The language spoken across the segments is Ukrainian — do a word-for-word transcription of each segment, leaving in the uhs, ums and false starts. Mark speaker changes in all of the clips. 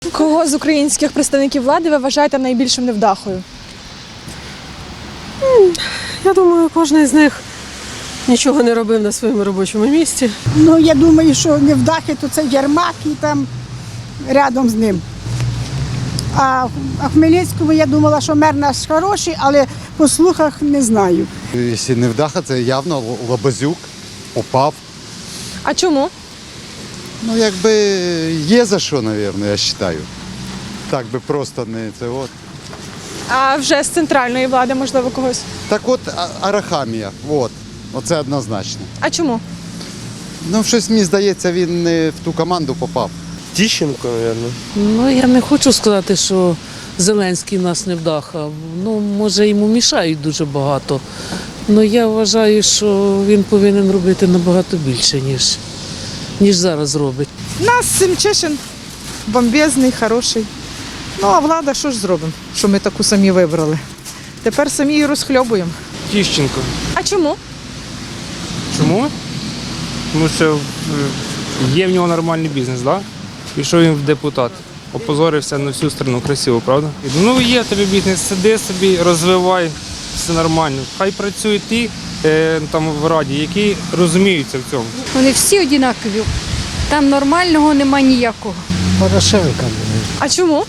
Speaker 1: Кого з українських представників влади ви вважаєте найбільшим невдахою?
Speaker 2: Я думаю, кожен з них нічого не робив на своєму робочому місці.
Speaker 3: Ну, я думаю, що невдахи, то це Єрмак і там рядом з ним. А, а Хмельницькому я думала, що мер наш хороший, але по слухах не знаю.
Speaker 4: Якщо не вдаха, це явно Лабазюк, Попав.
Speaker 1: А чому?
Speaker 4: Ну, якби є за що, мабуть, я вважаю. Так би просто не це от.
Speaker 1: А вже з центральної влади, можливо, когось?
Speaker 4: Так от А- Арахамія, от. Оце однозначно.
Speaker 1: А чому?
Speaker 4: Ну, щось мені здається, він не в ту команду попав.
Speaker 5: Тищенко, мабуть.
Speaker 6: Ну, я не хочу сказати, що Зеленський нас не вдаха. Ну, може, йому мішають дуже багато. Але я вважаю, що він повинен робити набагато більше, ніж, ніж зараз робить.
Speaker 7: Нас Семчишин бомбезний, хороший. Ну, а влада що ж зробимо, що ми таку самі вибрали? Тепер самі її розхльобуємо.
Speaker 5: Тищенко.
Speaker 1: А чому?
Speaker 5: Чому? Тому що е, є в нього нормальний бізнес, да? Пішов він в депутат. Опозорився на всю страну, красиво, правда? Ну є тобі бізнес, сиди собі, розвивай, все нормально. Хай працюють ті е, там в раді, які розуміються в цьому.
Speaker 8: Вони всі однакові. Там нормального нема ніякого.
Speaker 9: Порошенка.
Speaker 1: А чому?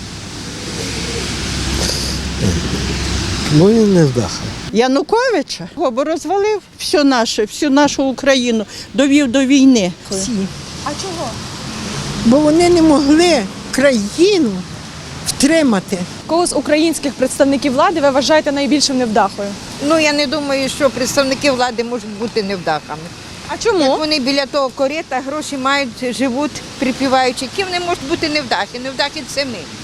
Speaker 9: Ну він не вдаха.
Speaker 10: Януковича, бо розвалив все наше, всю нашу Україну, довів до війни. Всі.
Speaker 1: А чого?
Speaker 3: Бо вони не могли країну втримати.
Speaker 1: Кого з українських представників влади ви вважаєте найбільшим невдахою?
Speaker 11: Ну, я не думаю, що представники влади можуть бути невдахами.
Speaker 1: А
Speaker 11: Як
Speaker 1: чому?
Speaker 11: вони біля того корита, гроші мають, живуть, припіваючи. Які вони можуть бути невдахи? Невдахи – це ми.